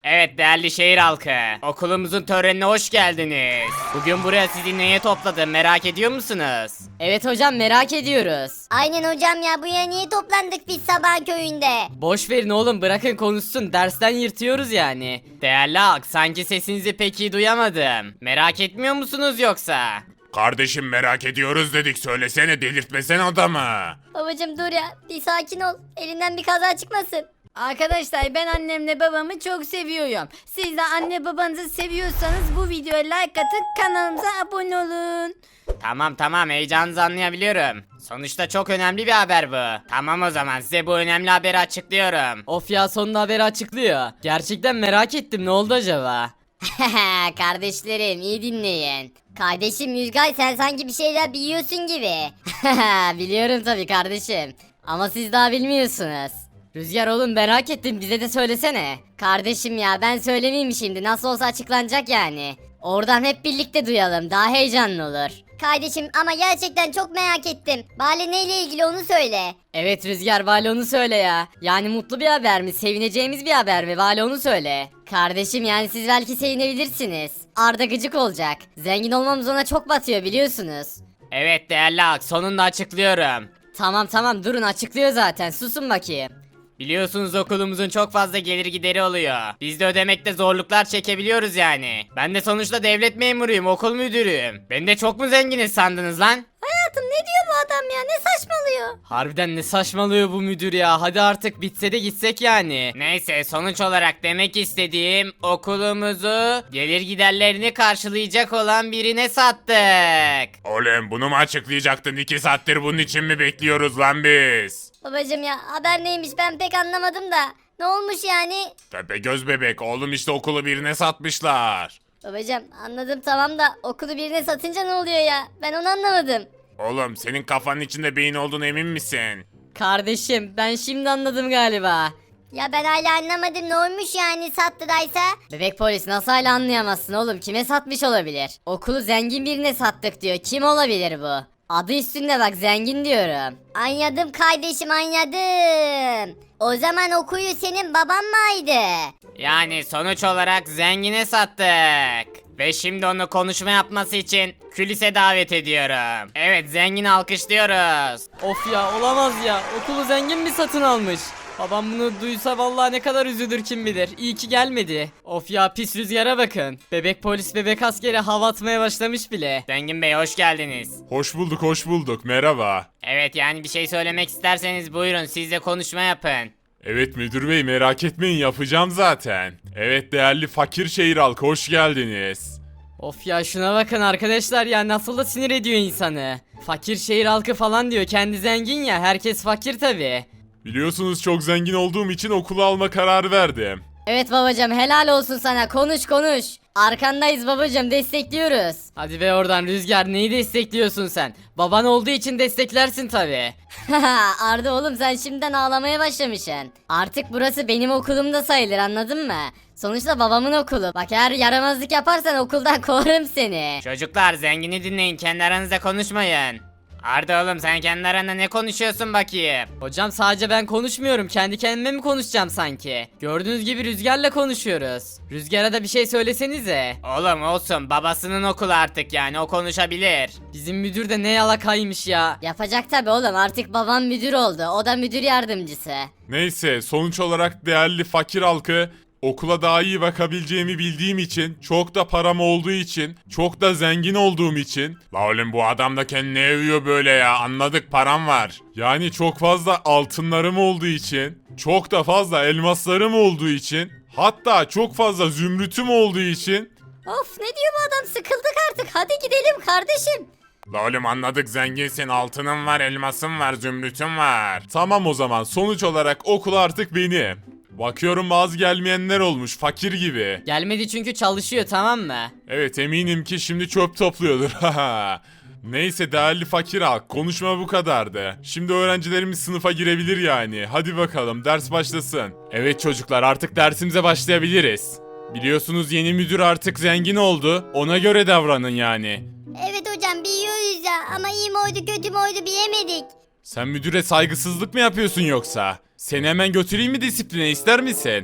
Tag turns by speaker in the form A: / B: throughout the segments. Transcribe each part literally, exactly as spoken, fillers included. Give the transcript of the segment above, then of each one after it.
A: Evet değerli şehir halkı, okulumuzun törenine hoş geldiniz. Bugün buraya sizi neye topladım merak ediyor musunuz?
B: Evet hocam, merak ediyoruz.
C: Aynen hocam ya, buraya niye toplandık biz sabah köyünde?
B: Boş verin oğlum, bırakın konuşsun, dersten yırtıyoruz yani.
A: Değerli halk, sanki sesinizi pek iyi duyamadım. Merak etmiyor musunuz yoksa?
D: Kardeşim merak ediyoruz dedik, söylesene, delirtmesen adamı.
C: Babacım dur ya, bir sakin ol, elinden bir kaza çıkmasın.
E: Arkadaşlar, ben annemle babamı çok seviyorum. Siz de anne babanızı seviyorsanız bu videoya like atın, kanalımıza abone olun.
A: Tamam tamam, heyecanınızı anlayabiliyorum. Sonuçta çok önemli bir haber bu. Tamam, o zaman size bu önemli haberi açıklıyorum.
B: Of ya, sonunda haberi açıklıyor. Gerçekten merak ettim, ne oldu acaba?
C: Kardeşlerim iyi dinleyin. Kardeşim Yüzgay, sen sanki bir şeyler biliyorsun gibi.
B: Biliyorum tabii kardeşim. Ama siz daha bilmiyorsunuz. Rüzgar oğlum, merak ettim, bize de söylesene.
C: Kardeşim ya, ben söylemeyeyim şimdi, nasıl olsa açıklanacak yani. Oradan hep birlikte duyalım, daha heyecanlı olur. Kardeşim ama gerçekten çok merak ettim. Bari neyle ilgili onu söyle.
B: Evet Rüzgar, Vali onu söyle ya. Yani mutlu bir haber mi, sevineceğimiz bir haber mi, Vali onu söyle.
C: Kardeşim yani siz belki sevinebilirsiniz. Arda gıcık olacak. Zengin olmamız ona çok batıyor biliyorsunuz.
A: Evet değerli halk, sonunda açıklıyorum.
B: Tamam tamam, durun, açıklıyor zaten, susun bakayım.
A: Biliyorsunuz okulumuzun çok fazla gelir gideri oluyor. Biz de ödemekte zorluklar çekebiliyoruz yani. Ben de sonuçta devlet memuruyum, okul müdürüyüm. Beni de çok mu zenginiz sandınız lan?
C: Hayatım ne diyor bu adam ya, ne saçmalıyor?
B: Harbiden ne saçmalıyor bu müdür ya, hadi artık bitse de gitsek yani.
A: Neyse, sonuç olarak demek istediğim, okulumuzu gelir giderlerini karşılayacak olan birine sattık.
D: Oğlum bunu mu açıklayacaktın? İki saattir bunun için mi bekliyoruz lan biz?
C: Babacım ya, haber neymiş ben pek anlamadım da. Ne olmuş yani?
D: Tepegöz bebek, oğlum işte okulu birine satmışlar.
C: Babacım anladım tamam da okulu birine satınca ne oluyor ya? Ben onu anlamadım.
D: Oğlum senin kafanın içinde beyin olduğunu emin misin?
B: Kardeşim, ben şimdi anladım galiba.
C: Ya ben hala anlamadım, ne olmuş yani sattıdaysa?
B: Bebek polis, nasıl hala anlayamazsın oğlum, kime satmış olabilir? Okulu zengin birine sattık diyor, kim olabilir bu? Adı üstünde bak, zengin diyorum.
C: Anladım kardeşim, anladım. O zaman okuyu senin baban mıydı?
A: Yani sonuç olarak zengine sattık. Ve şimdi onu konuşma yapması için külise davet ediyorum. Evet, zengini alkışlıyoruz.
B: Of ya, olamaz ya, okulu zengin mi satın almış? Babam bunu duysa vallahi ne kadar üzülür kim bilir. İyi ki gelmedi. Of ya, pis Rüzgar'a bakın. Bebek polis bebek askeri hava atmaya başlamış bile.
A: Zengin Bey, hoş geldiniz.
D: Hoş bulduk, hoş bulduk, merhaba.
A: Evet, yani bir şey söylemek isterseniz buyurun, siz de konuşma yapın.
D: Evet müdür bey, merak etmeyin, yapacağım zaten. Evet değerli fakir şehir halkı, hoş geldiniz.
B: Of ya, şuna bakın arkadaşlar ya, nasıl da sinir ediyor insanı. Fakir şehir halkı falan diyor, kendi zengin ya, herkes fakir tabi.
D: Biliyorsunuz çok zengin olduğum için okulu alma kararı verdim.
B: Evet babacım, helal olsun sana, konuş konuş. Arkandayız babacım, destekliyoruz. Hadi be oradan Rüzgar, neyi destekliyorsun sen? Baban olduğu için desteklersin tabi.
C: Arda oğlum, sen şimdiden ağlamaya başlamışsın. Artık burası benim okulum da sayılır, anladın mı? Sonuçta babamın okulu. Bak eğer yaramazlık yaparsan okuldan kovarım seni.
A: Çocuklar, zengini dinleyin, kendi aranızda konuşmayın. Arda oğlum, sen kendi aranda ne konuşuyorsun bakayım?
B: Hocam sadece ben konuşmuyorum, kendi kendime mi konuşacağım sanki? Gördüğünüz gibi Rüzgar'la konuşuyoruz. Rüzgar'a da bir şey söylesenize.
A: Oğlum olsun, babasının okulu artık, yani o konuşabilir.
B: Bizim müdür de ne yalakaymış ya.
C: Yapacak tabi oğlum, artık babam müdür oldu. O da müdür yardımcısı.
D: Neyse, sonuç olarak değerli fakir halkı, okula daha iyi bakabileceğimi bildiğim için, çok da param olduğu için, çok da zengin olduğum için. La oğlum bu adam da kendini övüyor böyle ya, anladık, param var. Yani çok fazla altınlarım olduğu için, çok da fazla elmaslarım olduğu için, hatta çok fazla zümrütüm olduğu için.
C: Of, ne diyor bu adam, sıkıldık artık, hadi gidelim kardeşim.
D: La oğlum anladık, zenginsin, altının var, elmasın var, zümrütün var. Tamam o zaman, sonuç olarak okul artık benim. Bakıyorum bazı gelmeyenler olmuş, fakir gibi.
B: Gelmedi çünkü çalışıyor, tamam mı?
D: Evet eminim ki şimdi çöp topluyordur. Neyse değerli fakir halk, konuşma bu kadardı. Şimdi öğrencilerimiz sınıfa girebilir yani. Hadi bakalım ders başlasın. Evet çocuklar, artık dersimize başlayabiliriz. Biliyorsunuz yeni müdür artık zengin oldu. Ona göre davranın yani.
C: Evet hocam biliyoruz ya, ama iyi mi oydu kötü mü oydu bilemedik.
D: Sen müdüre saygısızlık mı yapıyorsun yoksa? Seni hemen götüreyim mi disipline, ister misin?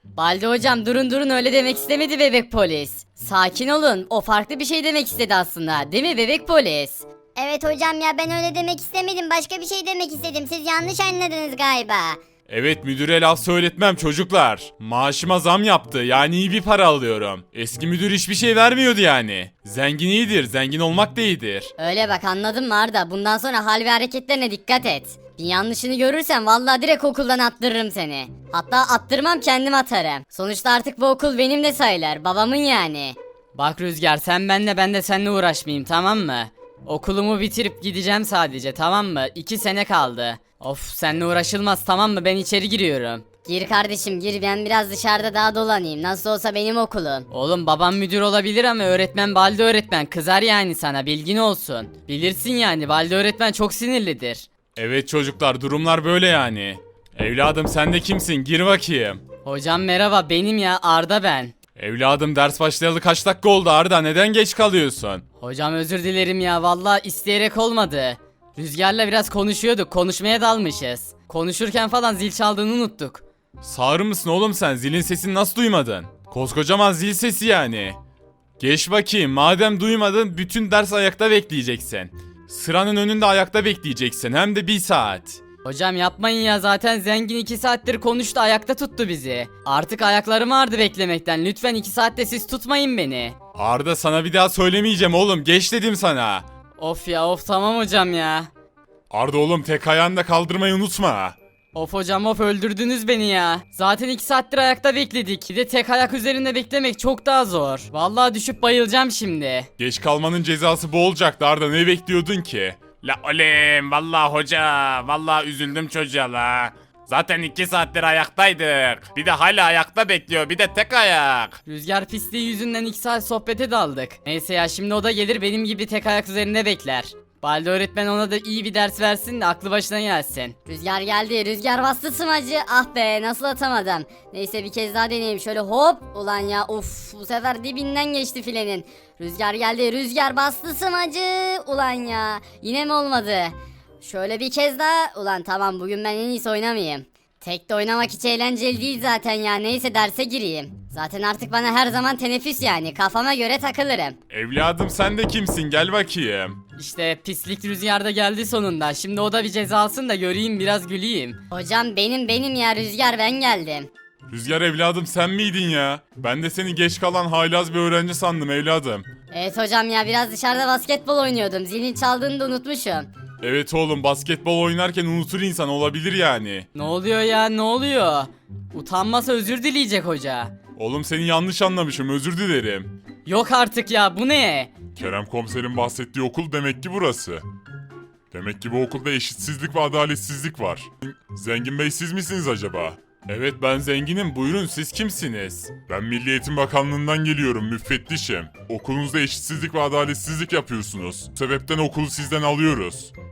C: Baldi hocam durun durun öyle demek istemedi bebek polis. Sakin olun o farklı bir şey demek istedi aslında değil mi bebek polis?
F: Evet hocam ya ben öyle demek istemedim. Başka bir şey demek istedim. Siz yanlış anladınız galiba.
D: Evet müdüre laf söyletmem çocuklar. Maaşıma zam yaptı yani iyi bir para alıyorum. Eski müdür hiçbir şey vermiyordu yani. Zengin iyidir, zengin olmak da iyidir.
C: Öyle bak anladın mı Arda? Bundan sonra hal ve hareketlerine dikkat et. Bir yanlışını görürsen vallahi direkt okuldan attırırım seni. Hatta attırmam kendim atarım. Sonuçta artık bu okul benim de sayılır. Babamın yani.
B: Bak Rüzgar sen benle ben de seninle uğraşmayayım tamam mı? Okulumu bitirip gideceğim sadece tamam mı? İki sene kaldı. Of seninle uğraşılmaz tamam mı? Ben içeri giriyorum.
C: Gir kardeşim gir ben biraz dışarıda daha dolanayım. Nasıl olsa benim okulum.
B: Oğlum babam müdür olabilir ama öğretmen Balde öğretmen kızar yani sana bilgin olsun. Bilirsin yani Balde öğretmen çok sinirlidir.
D: Evet çocuklar durumlar böyle yani. Evladım sen de kimsin gir bakayım.
B: Hocam merhaba benim ya Arda ben.
D: Evladım ders başlayalı kaç dakika oldu Arda neden geç kalıyorsun?
B: Hocam özür dilerim ya vallahi isteyerek olmadı. Rüzgar'la biraz konuşuyorduk konuşmaya dalmışız. Konuşurken falan zil çaldığını unuttuk.
D: Sağır mısın oğlum sen zilin sesini nasıl duymadın? Koskocaman zil sesi yani. Geç bakayım madem duymadın bütün ders ayakta bekleyeceksin. Sıranın önünde ayakta bekleyeceksin hem de bir saat.
B: Hocam yapmayın ya zaten zengin iki saattir konuştu ayakta tuttu bizi. Artık ayaklarım ağrıdı beklemekten lütfen iki saatte siz tutmayın beni.
D: Arda sana bir daha söylemeyeceğim oğlum geç dedim sana.
B: Of ya of tamam hocam ya.
D: Arda oğlum tek ayağını da kaldırmayı unutma.
B: Of hocam of öldürdünüz beni ya. Zaten iki saattir ayakta bekledik. Bir de tek ayak üzerinde beklemek çok daha zor. Vallahi düşüp bayılacağım şimdi.
D: Geç kalmanın cezası bu olacaktı Arda ne bekliyordun ki? La oğlum vallahi hoca vallahi üzüldüm çocuğa la. Zaten iki saattir ayaktaydık. Bir de hala ayakta bekliyor bir de tek ayak.
B: Rüzgar pisliği yüzünden iki saat sohbete daldık. Neyse ya şimdi o da gelir benim gibi tek ayak üzerinde bekler. Balde öğretmen ona da iyi bir ders versin de aklı başına gelsin.
C: Rüzgar geldi. Rüzgar bastı smacı. Ah be nasıl atamadım. Neyse bir kez daha deneyeyim. Şöyle hop. Ulan ya of bu sefer dibinden geçti filenin. Rüzgar geldi. Rüzgar bastı smacı. Ulan ya yine mi olmadı? Şöyle bir kez daha. Ulan tamam bugün ben en iyisi oynamayayım. Tek de oynamak hiç eğlenceli değil zaten ya. Neyse derse gireyim. Zaten artık bana her zaman teneffüs yani. Kafama göre takılırım.
D: Evladım sen de kimsin gel bakayım.
B: İşte pislik Rüzgar da geldi sonunda. Şimdi o da bir ceza alsın da göreyim biraz güleyim.
C: Hocam benim benim ya Rüzgar ben geldim.
D: Rüzgar evladım sen miydin ya? Ben de seni geç kalan haylaz bir öğrenci sandım evladım.
C: Evet hocam ya biraz dışarıda basketbol oynuyordum. Zilin çaldığını da unutmuşum.
D: Evet oğlum basketbol oynarken unutur insan olabilir yani.
B: Ne oluyor ya ne oluyor? Utanmasa özür dileyecek hoca.
D: Oğlum seni yanlış anlamışım özür dilerim.
B: Yok artık ya bu ne?
D: Kerem komiserin bahsettiği okul demek ki burası. Demek ki bu okulda eşitsizlik ve adaletsizlik var. Zengin Bey siz misiniz acaba? Evet ben zenginim buyurun siz kimsiniz? Ben Milli Eğitim Bakanlığı'ndan geliyorum müfettişim. Okulunuzda eşitsizlik ve adaletsizlik yapıyorsunuz. Bu sebepten okulu sizden alıyoruz.